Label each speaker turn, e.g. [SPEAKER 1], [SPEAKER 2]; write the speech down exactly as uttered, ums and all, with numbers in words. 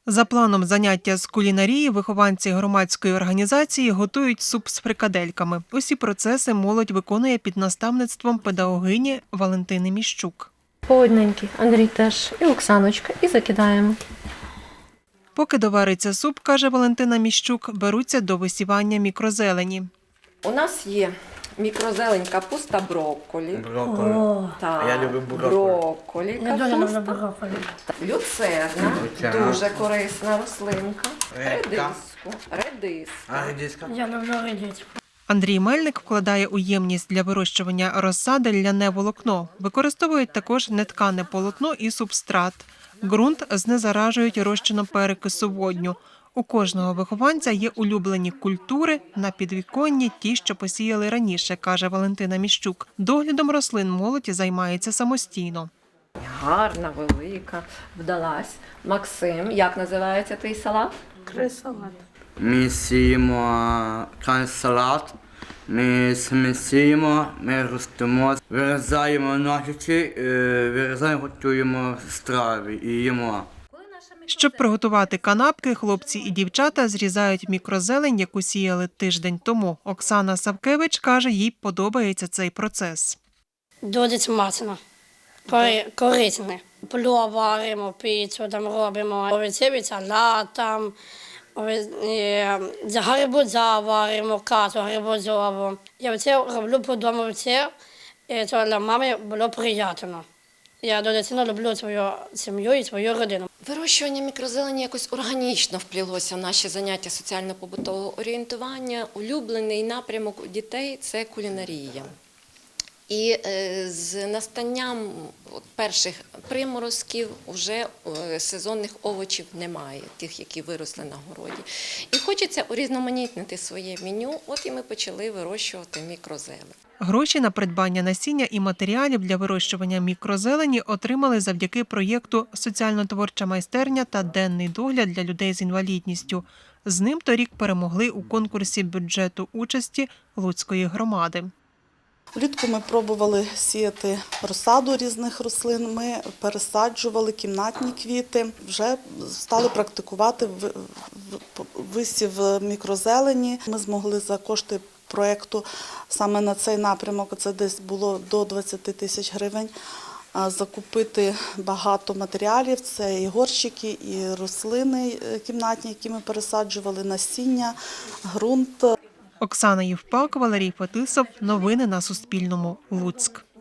[SPEAKER 1] За планом заняття з кулінарії вихованці громадської організації готують суп з фрикадельками. Усі процеси молодь виконує під наставництвом педагогині Валентини Міщук.
[SPEAKER 2] По одненькій, Андрій теж, і Оксаночка, і закидаємо.
[SPEAKER 1] Поки довариться суп, каже Валентина Міщук, беруться до висівання мікрозелені.
[SPEAKER 3] У нас є мікрозелень, капуста, брокколі.
[SPEAKER 4] Брокколі.
[SPEAKER 2] О,
[SPEAKER 3] Так,
[SPEAKER 4] А я люблю брокколі.
[SPEAKER 3] брокколі,
[SPEAKER 2] я дуже люблю
[SPEAKER 3] капуста.
[SPEAKER 2] брокколі.
[SPEAKER 3] Люцерна,
[SPEAKER 4] Люцерна.
[SPEAKER 3] дуже корисна рослинка.
[SPEAKER 4] Редька.
[SPEAKER 3] Редиску, редиска.
[SPEAKER 4] А редиска?
[SPEAKER 2] Я люблю редьку.
[SPEAKER 1] Андрій Мельник вкладає у ємність для вирощування розсади ляне волокно. Використовують також неткане полотно і субстрат. Ґрунт знезаражують розчином перекису водню. У кожного вихованця є улюблені культури на підвіконні, ті, що посіяли раніше, каже Валентина Міщук. Доглядом рослин молодь займається самостійно.
[SPEAKER 3] Гарна, велика, вдалась. Максим, як називається твій салат?
[SPEAKER 4] Ми сіємо салат, ми смісуємо, ми ростимо, вирізаємо ножиці, е, вирізаємо, готуємо страви і їмо.
[SPEAKER 1] Щоб приготувати канапки, хлопці і дівчата зрізають мікрозелень, яку сіяли тиждень тому. Оксана Савкевич каже, їй подобається цей процес.
[SPEAKER 5] Дуже смачно, Кори- корисне. Плов варимо, піцу там робимо, овочевий салат, там, ове- е, гарбуза варимо, кашу гарбузову. Я це роблю по дому, це, і це для мами було приємно. Я дуже сильно люблю свою сім'ю і свою родину.
[SPEAKER 6] Вирощування мікрозелені якось органічно вплілося в наші заняття соціально-побутового орієнтування. Улюблений напрямок у дітей – це кулінарія. І е, з настанням от, перших приморозків вже е, сезонних овочів немає, тих, які виросли на городі. І хочеться урізноманітнити своє меню, от і ми почали вирощувати мікрозелень.
[SPEAKER 1] Гроші на придбання насіння і матеріалів для вирощування мікрозелені отримали завдяки проєкту «Соціально-творча майстерня та денний догляд для людей з інвалідністю». З ним торік перемогли у конкурсі бюджету участі Луцької громади.
[SPEAKER 7] Влітку ми пробували сіяти розсаду різних рослин, ми пересаджували кімнатні квіти, вже стали практикувати в- в- висів мікрозелені. Ми змогли за кошти проєкту саме на цей напрямок, це десь було до двадцяти тисяч гривень, а, закупити багато матеріалів, це і горщики, і рослини е, кімнатні, які ми пересаджували, насіння, ґрунт.
[SPEAKER 1] Оксана Євпак, Валерій Фетисов. Новини на Суспільному. Луцьк.